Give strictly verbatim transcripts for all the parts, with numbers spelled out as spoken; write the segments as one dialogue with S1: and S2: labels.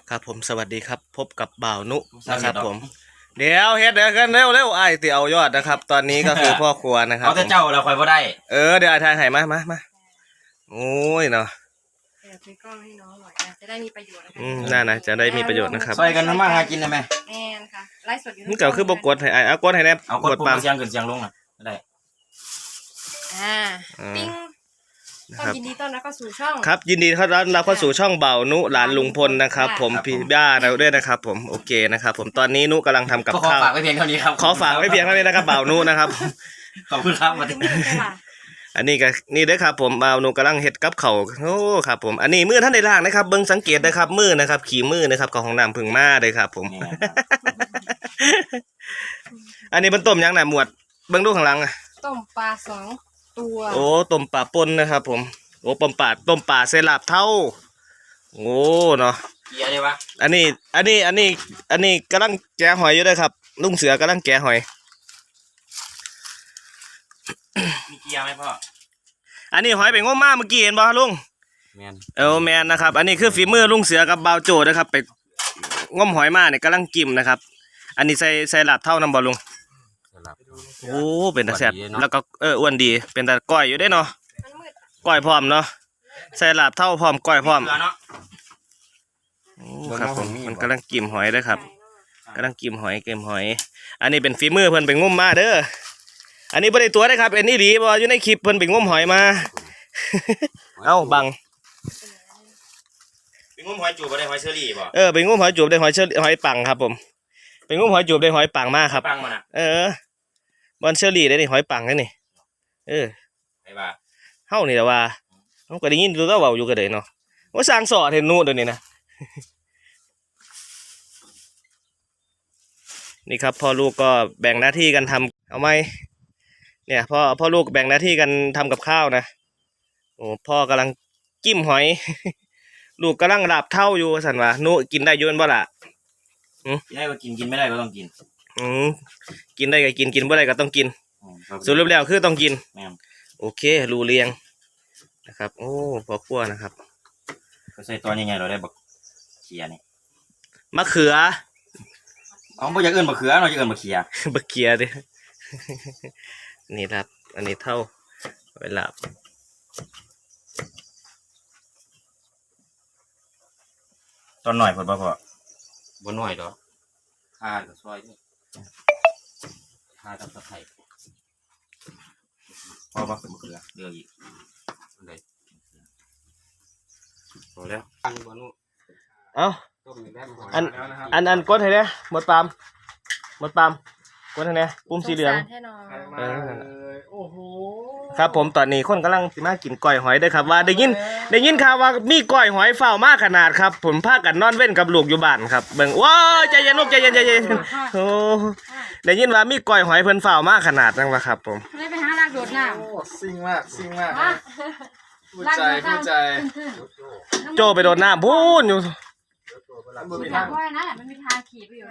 S1: ครับผมสวัสดีครับพบกับบ่าวนุนะครับผมเดี๋ยวเฮ็ดเดี๋ยวกันเร็วเร็วไอ้ตีเอายอดนะครับตอนนี้ก็คือพ่อครัวนะครับ
S2: เอาแต่เจ้าเราคอยบ่ได้
S1: เออเดี๋ยวไอ้ทายให้มามามาโอ้ยเนาะ
S3: เดี๋ยวซื้อกล้องให้น้องหน่อยนะจะได้มีประโยชน์นะคะ
S1: อืมน่านะจะได้มีประโยชน์นะครับ
S2: ซอยกันทำมาหากินได้ไหม
S3: แม่นค่ะไลฟ์สดอยู่
S1: นี่เก่าคือบกดให้ไอ้เอากดให้แน่
S2: เอากดปุ่มเสียงขึ้นเสียงลงน่ะได้
S3: อ่าปิ้งต้อนยินดีต้อนรับเข้าสู่ช่อง
S1: ครับยินดีต้อนรับเข้าสู่ช่องบ่าวนุหลานลุงพลนะครับผมพี่บ้าเราด้วยนะครับผมโอเคนะครับผมตอนนี้นุกำลังทำกับข้าว
S2: ขอฝากไว้เพียงเท่านี้ครับ
S1: ขอฝากไว้เพียงเท่านี้นะครับบ่าวนุนะครับ
S2: ขอบคุณครับมาถึง
S1: อันนี้ก็นี่เด้อครับผมบ่าวนุกำลังเฮ็ดกับข้าวโอ้ครับผมอันนี้มือท่านได้ล้างนะครับเบิ่งสังเกตนะครับมือนะครับขี่มือนะครับกับของน้ำพึ่งมาเลยครับผมอันนี้เป็นต้มยังน่ะหมวดเบิ่งดูข้างหลังอ่ะ
S3: ต้มปลาสองตัว
S1: โอ้ต้มปลาป่นนะครับผมโอ้ต้มปลาต้มปลาเซลาบเท่าโอ้เนาะ
S2: เกียร์เลยวะ
S1: อันนี้อันนี้อันนี้อันนี้กำลังแกะหอยอยู่ด้วยครับลุงเสือกำลังแกะหอย
S2: มีเกียร์ไหมพ่อ
S1: อันนี้หอยเป็นง้มมาเมื่อกี้เห็นบ่ลุง
S2: แมน
S1: เออแมนนะครับอันนี้คือฝีมือลุงเสือกับบ่าวโจนะครับไปง้มหอยมาเนี่ยกำลังจิ้มนะครับอันนี้ใส่ใส่ลาบเท่าน้ำบ่ลุงโอ้เป็นตาแซ่บแล้วก็เอออ้วนดีเป็นตาก้อยอยู่ได้เนาะก้อยพร้อมเนาะใส่ลาบเท่าพร้อมก้อยพร้อมโอ้ครับผมมันกำลังจิ้มหอยด้วยครับกำลังจิ้มหอยเกมหอยอันนี้เป็นฝีมือเพิ่นไปงมมาเด้ออันนี้บ่ได้ตัวได้ครับอันนี้ดีบ่อยู่ในคลิปเพิ่นไปงมหอยมาเอ้าบัง
S2: ไปงมหอยจูบได้หอยเชอรี่บ่
S1: เออไปงมหอยจูบได้หอยเชอรี่หอยปังครับผมไปงมหอยจูบได้หอยปังมากครับ
S2: ปังมันอ่ะ
S1: เออบอลเชอรี่ได้นี่หอยปังได้นี่เออ
S2: ไอ้บ้า
S1: เฮานี่แหละว่าเฮาก็ได้ยินดูแล้วเว้าอยู่ก็ได้เนาะว่าสร้างสอดเห็นนู่นเดี๋ยวนี้นะนี่ครับพ่อลูกก็แบ่งหน้าที่กันทำเอาไหมเนี่ยพ่อพ่อลูกแบ่งหน้าที่กันทำกับข้าวนะโอ้พ่อกำลังจิ้มหอยลูกกำลังหลับเท่าอยู่สันวะนุกินได้ยืนบ่ล่ะ
S2: กินได้ก็กินกินไม่ได้ก็ต้องกิน
S1: อืมกินได้ก็กินกินบ่ได้ก็ต้องกินสุดรูปแล้วคือต้องกินโอเครูเรียงนะครับโอ้พอคั่วนะครับ
S2: ก็ใส่ตอนใหญ่ๆเราได้บักเขียนี่
S1: มะเขือ
S2: อ๋อบ่อยากเอิ้นบักเขือเราจะเอิ้นบักเขีย
S1: บักเขียดินี่ครับอันนี้เท่าเวลา
S2: ตอนหน่อยพอบ่พอบ่หน่อยดอกข้ากับซอยนี่ข้ากับตะไคร้พอบ่เป็นมะเขือเดี๋ยวอีกอันใดพอแล้วตั้งบ่นู้
S1: เอ้าอันอันอันกดให้เนี่ยหมดปามหมดปามกดให้เนี่ยปุ่มสีเหลืองเออโอ้โหครับผมตอนนี้คนกำลังมากินก้อยหอยได้ครับว่าได้ยินได้ยินข่าวว่ามีก้อยหอยเฝ้ามากขนาดครับผมพากันนอนเว้นกับลูกอยู่บ้านครับเบิ่งว้าวใจเย็นลูกใจเย็นใจเย็นโอ้ได้ยินว่ามีก้อยหอยเพิ่นเฝ้ามากขนาดนั้นวะครับผม
S3: ไม่ไปหาลากโดดน้ำ
S4: โอ้ซิ่งมากซิ่งมากพูดใจพูดใจ
S1: โจไปโดนน้ำพูนอยู่
S3: มันมีทางว่านะมันมีทางขี่ไปอยู่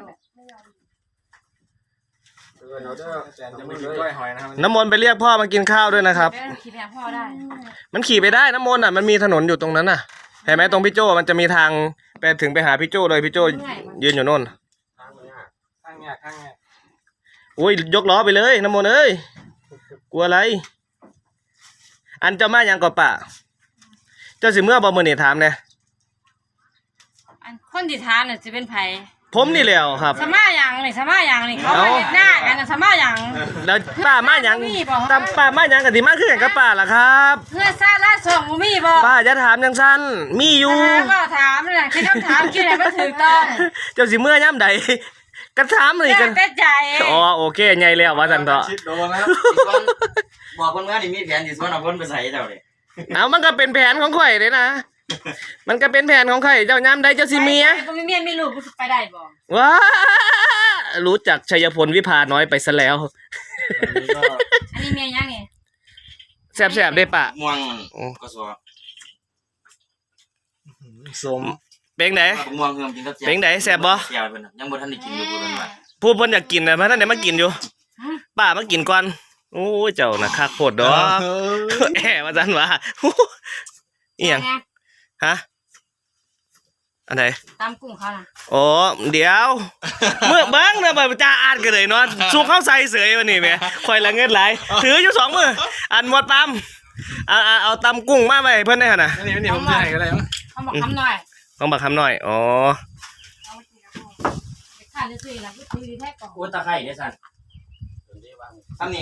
S1: น้ำมนต์ไปเรียกพ่อมากินข้าวด้วยนะครับ
S3: ขี่ไปพ่อได้
S1: มันขี่ไปได้น้ำมนต์อ่ะมันมีถนนอยู่ตรงนั้นน่ะเห็นไหมตรงพี่โจมันจะมีทางไปถึงไปหาพี่โจเลยพี่โจยืนอยู่โน่น
S4: ข้างเนี้ยข้างเนี้ย
S1: โอ้ยยกล้อไปเลยน้ำมนต์เอ้ยกลัวอะไรอันเจ้ามายังก่อป่ะเจ้าสิเมื่อบ่มื้อนี่ถามเนี่ย
S3: อันคนที่ถามเนี่ยจะเป็นไผ
S1: ผมนี่แหละครับ
S3: สมาอย่างนี่สมาอย่างนี่เขาไปหน้ากันสมาอย่าง
S1: แล้วป้ามาอย่างตามป้ามาอย่างกันที่มาคือกันกับป้าล่ะครับ
S3: เพื่อซาลาส่งมีบ่
S1: ป้าจะถามจังซั่นมีอยู่
S3: ก็ถามนี่แค่คำถามคิดให้มันถูกต้อง
S1: เจ้าสิเมื่อย่ำใดก็ถามนี่กัน
S3: ใจ
S1: อ๋อโอเคใหญ่แล้วว่าซั่นเถาะ
S4: โดนแล้ว
S2: บอกเพิ่นว่านี่มีแผนสิสวนเอาเพิ่นไปใส่เจ้าเลย
S1: เอามันก็เป็นแผนของข่อยเลยนะมันก็เป็นแผนของข่อยเจ้าย่ำใดเจ้าสิเมีย
S3: บ่มีเมียมีลูกไปได้บ่
S1: ว้ารู้จักชัยพลวิภาน้อยไปซะแล้ว
S3: อันนี้เมียยังไง
S1: แซ่บๆได้ปะ
S2: ม่วงก็ซัว
S1: สมเป็งไหน
S2: ม่วงเพิ่มกินกับ
S1: เป็งไหนแซ่บบ่
S2: ยังบ่ทันได้กินอยู่เพิ่นว่า
S1: พูดเพิ่นอยากกินน่ะเพราะท่านได้มากินอยู่ป้ามากินก่อนโอ้ยเจ้าน่ะคักโพดดอกแหมว่าซั่นว่าอีหยังฮะอันไหน
S3: ตามกุ้งเขาน่ะ
S1: โอ้เดี๋ยว เมื่อเบิ้งนะแบบจ้าอ่านกันเลยเนาะสูงเข้าใส่เสยวันนี้แม่คอยละเงินไหลถืออยู่สองมืออันหมดตำเอาเอาเอาตำกุ้งมาไปเพื่อนได้ขนาด
S4: นี่นี่ผมจะให้ก็ได้มั้ง
S3: เขาบอกคำหน่อย
S1: ต้องบักคำหน่อยอ๋อ
S3: เอาไปกินกับพ่อไปข้าวจะซื้อแล้วก็ซื้อดีแท้ก่อน
S2: โอ้ตะไคร้เนี่ยสั่นทำนี่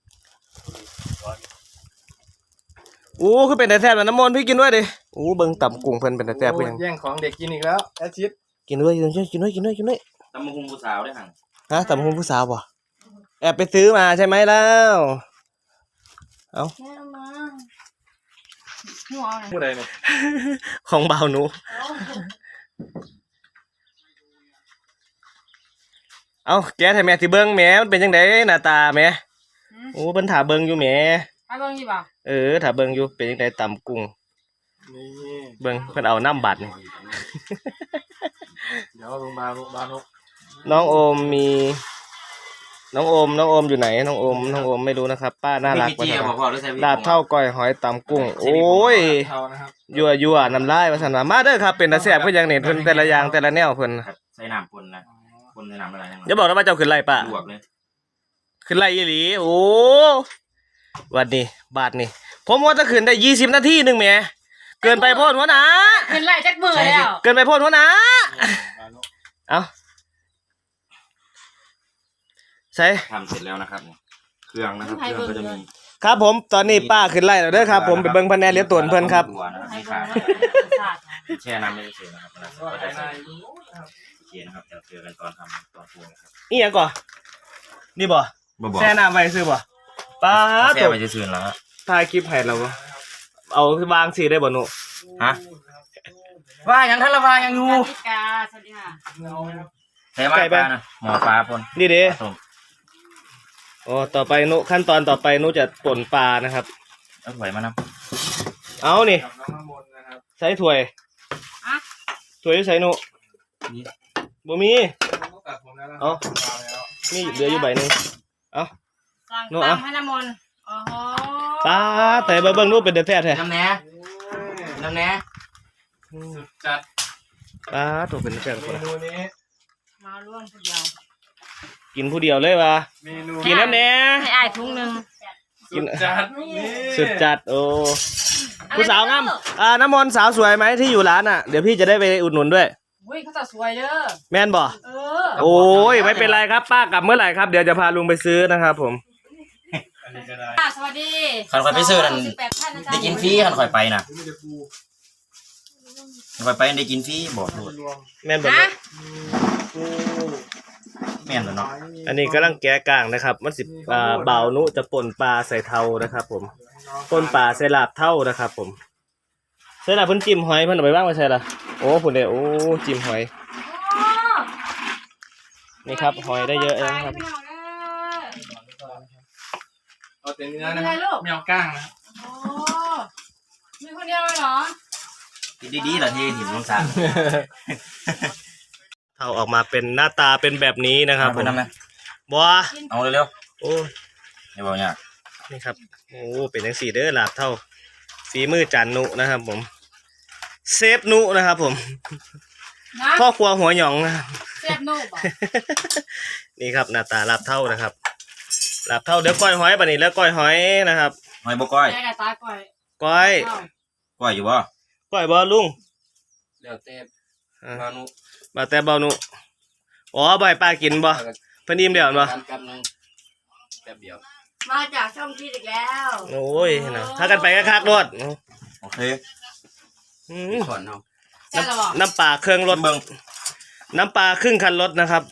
S1: โอ้คือเป็นแต่แซ่บแล้วน้ำมนต์พี่กินด้วยดิโอ้เบิ้งตำกุ้งเพิ่นเป็นแต่แซ่บเพื่อน
S4: แย่งของเด็กกินอีกแล้วแอชิด
S1: กินด้วยกินด้วยกินด้วยกินด้วยกินด้วย
S2: ตำมะฮุงผู้สาวได้หั่ง
S1: ฮะตำกุ้งผู้สาวบ่แอบไปซื้อมาใช่ไหมแล้ว
S3: แม่เอามาหนูเอาหน่อย
S4: ผู้ใดเนี่ย
S1: ของเบาหนูเอาแกให้แม่ที่เบิ้งแหม่มันเป็นจังไดหน้าตาแหม่โอ้เพิ่นถาเบิ้งอยู่แหม่
S3: เอาเบิ่งดีบ่า
S1: เออถ้าเบิ่งอยู่เป็นจังไดตำกุ้ง
S4: นี่
S1: เบิ่งเพิ่นเอาน้ำบัตรนี่
S4: เดี๋ยวโรงพยาบาลโรงพยาบาลนก
S1: น้องโอมมี น้องโอม น้องโอมอยู่ไหน น้องโอม น้องโอมไม่รู้นะครับ ป้าน่ารัก
S2: มี
S1: ว่า
S2: เจีย
S1: ซั่น
S2: บ่พอหรือใส่
S1: ลาบเท่าก้อยหอยตำกุ้ง โอ้ย
S4: เท่านะครับ
S1: ยั่วยั่วน้ำลายว่าซั่นว่ามาเด้อครับเป็นตาแซ่บคือหยังนี่เพิ่นแต่ละอย่างแต่ละแนวเพิ่น
S2: ใส่น้ำปนนะปนในน้ำอะไร
S1: อย่าบอกนะว่าเจ้าขึ้นไล่ป้า
S2: ลวกเลย
S1: ขึ้นไล่อีหลีโอ้วันนี้บาทนี่ผมว่าจะขึ้นได้ยี่สิบนาทีหนึงแหมเกินไปโพดหัวหน้า
S3: เห็นไรจักเบื่อแล้ว
S1: เกินไปโพดหัวหน้าเอาใส่
S2: ทำเสร็จแล้วนะครับเครื่องนะครับเครื่องก็จะมี
S1: ครับผมตอนนี้ป้าขึ้นไล่แล้วเด้อครับผมไปเบิ่งพันแนนเลี้ยงตวนเพิ่นครับ
S2: ตัวนะครับ
S3: ให้
S2: ที่
S3: เบิ่
S2: ขาง
S3: ว่าศาสตร์
S2: แช่น้ำไม่ได้เฉยนะครับแล้ว
S4: ก็
S2: ก็
S4: ไอ้
S2: จะใส่
S4: นายดูนะครับ
S2: โอเคนะครับเดี๋ยวเจอกันตอนทำตอนปรุงนะครับ
S1: นี่หยังก่อนี่บ่
S2: บ่บอก
S1: แช่น้ำไว้ซื้อบ่ป้า
S2: แช่
S1: ตัว
S2: ไปจะซื้อแล้ว
S1: ถ่ายคลิปให้เราบ่เอาวางสิได้บ่หนู
S2: ฮะว่ายังท่านละว่ายังอยู่
S3: สวัสดีค่ะสวัสดีค่ะ
S4: เอาครับ
S2: ใช่ไหมปลานะหมอปลาปน
S1: นี่เด้
S2: ต้ม
S1: อ๋อต่อไปหนูขั้นตอนต่อไปหนูจะป่นปลานะครับ
S2: เอาไหวมานะ
S1: เอานี่
S4: กับน้องน้ำมนต์นะครับ
S1: ใส่ถ้วย
S3: อะ
S1: ถ้วยอยู่ใส่หนู
S2: นี่
S1: บ่มี
S4: ต้องตัดผมแล้วนะ
S1: เอา
S4: แล้ว
S1: มีเหลืออยู่ใบหนึง
S3: สั่ง
S1: โน่เอา
S3: ตามให้น้ำมนต์โอ้โห
S1: ป้าแต่เบิ่งๆหนูเป็นแต่แท้แท้
S2: น้ำแหน่น้ำแหน่
S4: สุดจัด
S1: ป้าตัวเป็นแต่แท้ทุกคน
S4: เม
S1: นะ
S4: นูนี้
S3: มาร่วมผู้เดียว
S1: กินผู้เดียวเลยว่ะ
S4: เมนู
S1: กินน้ำแหน่
S3: ให้อายถุงหนึ่ง
S4: สุดจัดนี่
S1: สุดจัดโอ้ผู้สาวงามอ่าน้ำมนต์สาวสวยไหมที่อยู่ร้านอ่ะเดี๋ยวพี่จะได้ไปอุดหนุนด้วย
S3: อุ้ยเขาจะสวยเด้อ
S1: แม่นบ่
S3: เออ
S1: โอ้ยไม่เป็นไรครับป้ากลับเมื่อไหร่ครับเดี๋ยวจะพาลุงไปซื้อนะครับผม
S4: อันนี้ก็ได้
S3: ค่ะสวัสดี
S2: ขันข่อยไปซื้อนั่น
S3: สิบแปดท่านนะจ๊ะ
S2: ได้กินฟรีขันข่อยไปนะ
S4: ไม่ได้ปู
S2: ขันข่อยไปได้กินฟรีบอกโทษ
S4: รวม
S1: แม่นบ่
S3: ฮะ
S4: ปู
S2: แม่นตัวเนาะ
S1: อันนี้กำลังแกะกลางนะครับมันสิอ่าเบานุจะป่นปลาใส่เทานะครับ ผมป่นปลาใส่ลาบเท่านะครับ ผมใส่ลาบเพิ่นจิ้มหอยเพิ่นเอาไปบ้างไว้ใส่ละโอ้พุ่นเด้โอ้จิ้มหอย
S3: โอ้
S1: นี่ครับหอยได้เยอะเลยนะครับ
S3: พี่น้องเด้อ
S4: เอาแต่เนื้อนะครับไม่เอาก้างนะ
S3: โอ้มีคนเดียวเลยเหรอ
S2: กินดีๆล่ะที่หินลงสาร
S1: เท่าออกมาเป็นหน้าตาเป็นแบบนี้นะครับ
S2: เอา
S1: ผ
S2: ไป
S1: ม
S2: ทำไง
S1: บัว
S2: เอาเร็ว
S1: โอ้
S2: ๆอย่าบอกยาก
S1: นี่ครับโอ้เป็นจังสี่เด้อลาบเท่าฝีมือจันนุนะครับ ผมเซฟนุนะครับ ผม
S3: นะ
S1: พ่อครัวหัวหยองนะครับ
S3: เสียบนูบอ่ะ
S1: นี่ครับหน้าตาลาบเท่านะครับลาบเท่าเดี๋ยวก้อยหอยปะนี่แล้วก้อยหอยนะครับ
S2: หอยบก้อย
S3: แม่กับตาก่อย
S1: ก้อย
S3: เอ้า
S2: ก้อยอยู่บ่
S1: ก้อยบอลุง
S4: เดี๋ยวเต้
S1: อ่า
S4: มานุ
S1: บาแต่เบาหนุอ๋อบ่ให้ป้ากินบ่เพิ่นอิ่มเดี๋ยวบ่
S4: กันกันนึงแป๊บเดียว
S3: มาจากช่องพีดอีกแล้ว
S1: โอ้ยนะถ้ากันไปก็คักรถ
S2: โอเค
S1: อืม
S4: ก่อนเอา
S3: ใช่หรอ
S1: น้ำปลาเครื่องรถ
S2: เบิ่ง
S1: น้ำปลาครึ่งคันรถนะครับ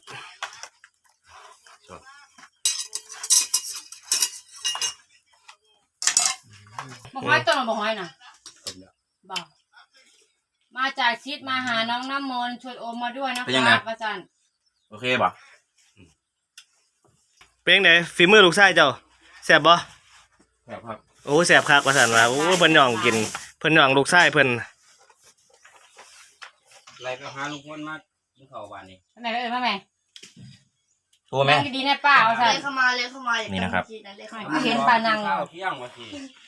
S3: บอกห้อยต้นหรือบอกห้อยน่ะบอกมาจากชิดมาหาน้องน้ำมนต์ชวนโอมมาด้วยนะครับอาจารย์
S2: โอเคบ่
S1: เป็นจังไดฝีมือลูกชายเจ้าแซ่บบ่
S2: แบบครับ
S1: โอ้แซ่บคักว่าซั่นว่าโอ้เพิ่นย่องกินเพิ่นย่องลูกชายเพิ่น
S2: ไล่ไปหาลุงพลมากินข้าววันนี้
S3: ไหนเอ่ยมาแม่
S2: โทรไหม
S3: นั่งดีๆนะป้าเอาใส่
S5: เลยเข้ามาเลยเข้ามา
S2: นี่นะครับ
S3: ไม่เห็นปลานัง
S2: ข้าวเที่ยงวันที่